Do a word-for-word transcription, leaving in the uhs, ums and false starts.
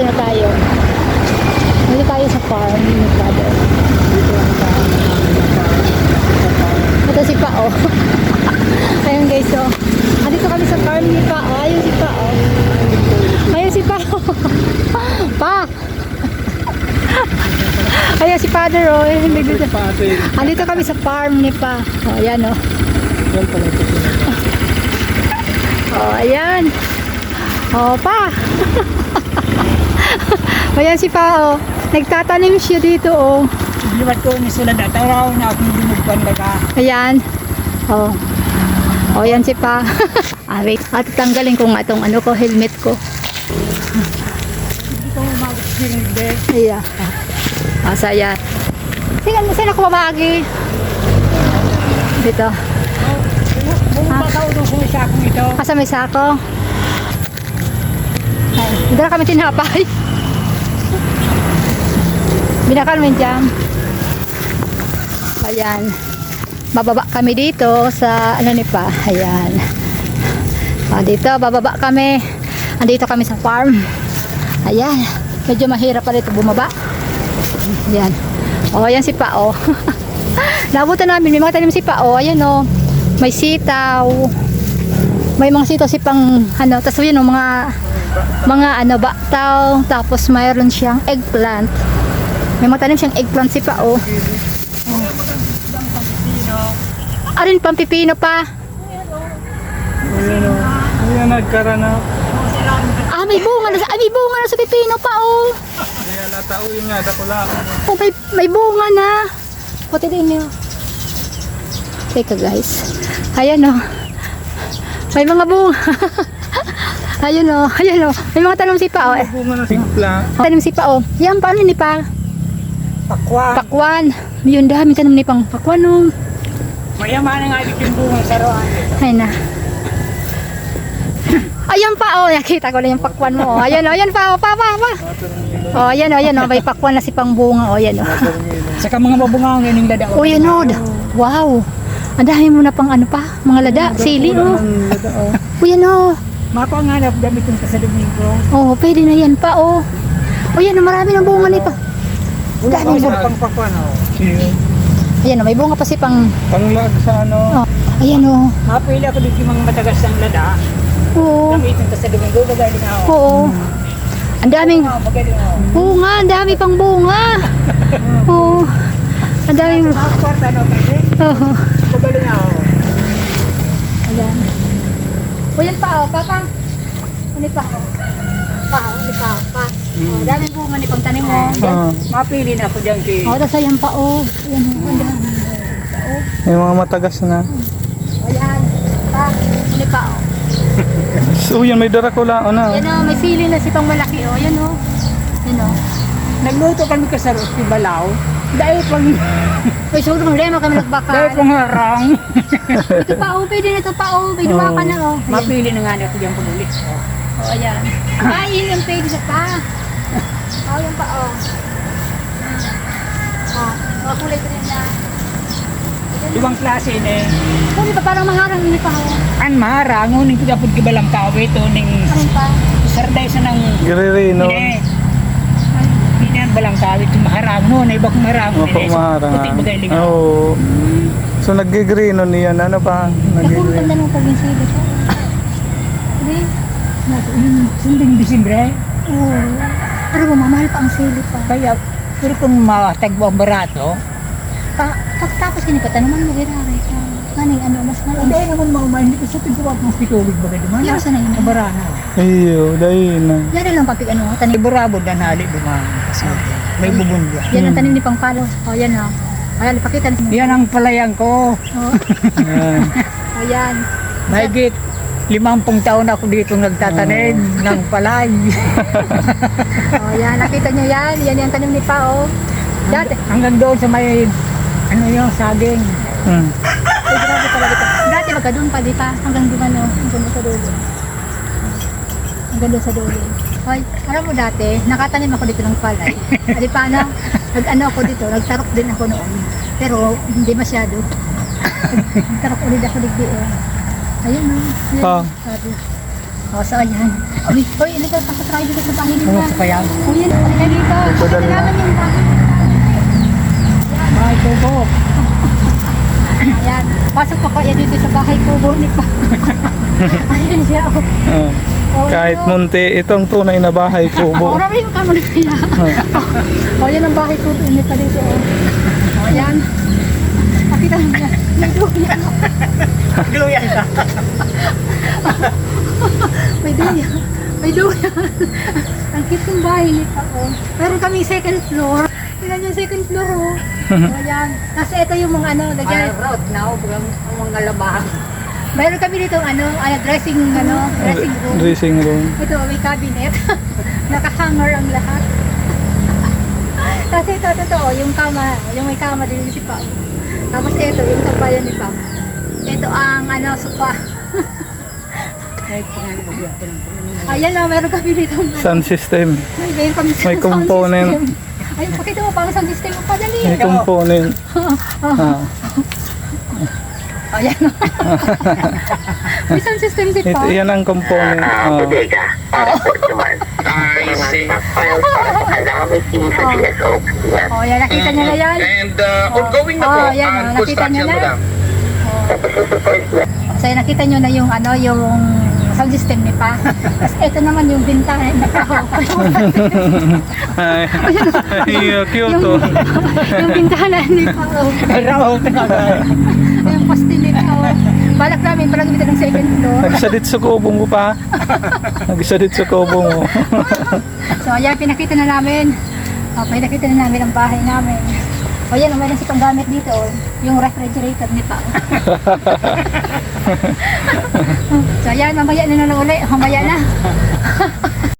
Dito na tayo. Dito tayo sa farm ni Father. Ito si Pao. Ayun guys, so. Andito kami sa farm ni Pao. Ayun si Pao. Ayun si Pao. Pa! Ayun si Father, oh. Andito, andito kami sa farm ni Pa. Oh, ayan, oh. Oh, ayan. Oh, Pa. Ayan si Pa, oh. Nagtatanim siya dito, oh. Liwat ko ni sila na taraw na akong binugban daga. Ayan. Oh. Oh, ayan si Pa. Ah, wait. At tanggalin ko nga itong ano ko, helmet ko. Hindi ko mag-experience din. Ayan. Ah, saya. Sige, saan ako mamagi? Dito. Bumabakaw doon kung isa akong ito. Asa may sako? Ay, hindi na kami tinapay. Binakal mo dyan. Ayan. Bababa kami dito sa ano ni Pa. Ayan. Ah, dito, bababa kami. Andito kami sa farm. Ayan. Medyo mahirap pa dito bumaba. Ayan. Oh, ayan si Pa, oh. Nabutan namin. May mga tanim si Pa, oh. Ayan, oh. May sitaw. May mga sitaw si pang ano. Tapos yun, oh, mga mga ano, baktaw. Tapos mayroon siyang eggplant. May mga tanim siyang eggplant si Pa, oh. Oh. Arin pang pipino pa. Ayan o. Ayan nagkara na. Ah, may bunga na sa, ay, may bunga na sa pipino pa, oh. Ayan natao yun nga. Dako lang. Oh, may, may bunga na. Puti din niyo. Teka guys. Ayan, oh. May mga bunga. Ayun, oh. Ayan, oh. May mga tanim si Pa, oh. Bunga na simpla. Tanim si Pa, oh. Yan, paano ni Pa? Pakwan. Pakwan. Yun, dami tanim ni pang pakwan, oh. Mayaman nga yung bunga sa roan. Ay na. Ayan pa, oh. Nakita ko na yung pakwan mo, oh. Ayan, oh. Ayan pa, oh. Pa, pa, pa. Oh, ayan, oh. Ayan, oh. May pakwan na si pang bunga, oh. Ayan, oh. Saka mga mabungang yun yung lada. Oh, yan, oh. Wow. Ang dami mo na pang ano pa. Mga lada. Sili, oh. Oh, yan, oh. Mapanganap damit yung kasalubing ko. Oh, pwede na yan pa, oh. Oh, yan, oh. Marami ng bunga nito. Wala pang pang pakwan o. Ayan, oh. May bunga pa si pang... Panglag sa ano. Oh. Ayan, oh. Mapili ako dito yung mga matagas ng lada. Oo. Damit yung kasalubing ko. Magaling ako. Oo. Ang daming... Oo, magaling ako. Oo nga, ang dami pang bunga. Oo. Ang daming... Sa kwarta no, kasi Oo. magaling ako. Ayan. O yan pa, oh. Papa. Ano pa, oh. Pa, oh. Ano pa, pa. Oh, daming bunga ni pang tanim mo. Ah, mapili na ako dyan kay... Oh, tas ayan pa, oh. Ayan, oh. Ang dami. May mga matagas na. O yan. Pa. Ano pa, oh. So yan, may darakula. Ano? Yan, oh. May sili na si pang malaki, oh. Yan, oh. Yan, oh. Nagluto kami ka sa Rosti Balaw. Dahil pang... Uy, so problema kami Dahil nagbakal. pang harang. Ito pa, oh. Pwede na ito pa, oh. May duwa ka na, oh. Ayan. Mapili na nga ako dyan pagulit. Oh, ayan. Ay, yun yung page sa pa. Oh, yan pa, oh. Oh, mga kulay green na. Ibang klase na eh. Kung di ba parang maharang yun pa, oh. An maharang, ngunit ko dapat kibalang kawit o ning Anong pa? sarday sa nang... Gririno. Hindi. Hindi na yan balang kawit yung maharang nun. Iba kong maharang. Opo, maharang. Puti magaling ako. Oo. So nag-grino niyan. Ano pa? Naku, Nag-grino. ganda ng pag-insili ko. Hindi? Sunding Disimbre. Oo. Pero mamahal pa ang sili pa. Kaya, pero kung matagbo ang barato, Pa, pagtapos ganito, tanaman mo ginari ka. Maning ano, mas hindi malang. naman maumay. Hindi ko sa tigawag ng pitulog ba kayo? Yan, saan na yun? Ang barana. Iyo, dahil na. Yan na lang papig ano, tanim. Iburabo dan hali dumaan. Kasi may bubundwa. Yan ang tanim ni Pangpalo. Oh, yan oh. Ayan, ipakita niyo. Yan ang palayang ko. Oh, Yan. ayan. Mahigit limampung taon ako dito nagtatanim ng palay. Oh, yan. Nakita niyo yan. Yan yung tanim ni Pa, oh. Dati. Hanggang doon sa may ano yung saging. Hmm. Ay, grabe talaga ito. Dati magka doon pa, di pa? Hanggang doon ano, hanggang doon sa dulo. Hanggang doon sa dulo. Hoy, alam mo dati, nakatanim ako dito ng palay. Di pa ano, nag-ano ako dito, nagtarok din ako noon. Pero hindi masyado. Nagtarok ulit ako dito. Oh. Ayun o. Oh. Ah. Sabi. O, so ayan. Uy, uy, ilika, pasok tayo dito sa bahay nila. Ano sa kaya? Uy, yan, halika dito. Ito, dali Ito na. naman yung bahay. Bahay kubo. Ayan, pasok pa kaya dito sa bahay ko, bunik pa. Ayan siya, oh. Oh. Oh, Kahit ano. munti, itong tunay na bahay Oh, kubo. marami yung kamo na kaya. O, yan ang bahay ko, init pa dito, oh. O, yan. Pakita mo niya. May duyan. Gluyan ka. May duyan. May duyan. Ang cute yung bahay nito, oh. Meron kami second floor. Tingnan yung second floor, oh. O, yan. Kasi ito yung mga ano, lagyan. road na ang mga labahan. Mayroon kami dito ano, ano dressing ano, dressing room. Dressing room. Ito may cabinet. Naka-hanger ang lahat. Kasi ito totoo, yung kama, yung may kama din si Pao. Tapos ito, yung kabayan ni Pao. Ito ang ano, sofa. Ayan na, meron kami dito. Sound system. May, meron kami May sound component. system. Ayun, pakita mo pang sound system mo pa, dali. May component. Ah. Ayan. May sound system si Ito, Pao. yan ang component. Ah, Oh. bodega para po naman. I see. Files para po kailangan may team sa G S O. Yan. Oh, yan, nakita niyo na yan. And uh, ongoing na Oh, po yan, ang oh, nakita niyo construction, na. madam. Tapos yung support na. So nakita nyo na yung ano, yung sound system ni Pa. Tapos ito naman yung bintana ni Pa. Ay, ay, cute yung, oh. yung bintana ni Pa. Raw tinatay. Yung poste ni Pa. Balak namin pala gamitin ng second floor. Nagsadit sa kubong ko pa. Nagsadit sa kubong mo. So ayan, pinakita na namin. Oh, pinakita na namin ang bahay namin. O yan, meron si pang gamit dito. Oh. Yung refrigerator ni Pa. So ayan, mamaya na na lang ulit. Mamaya na.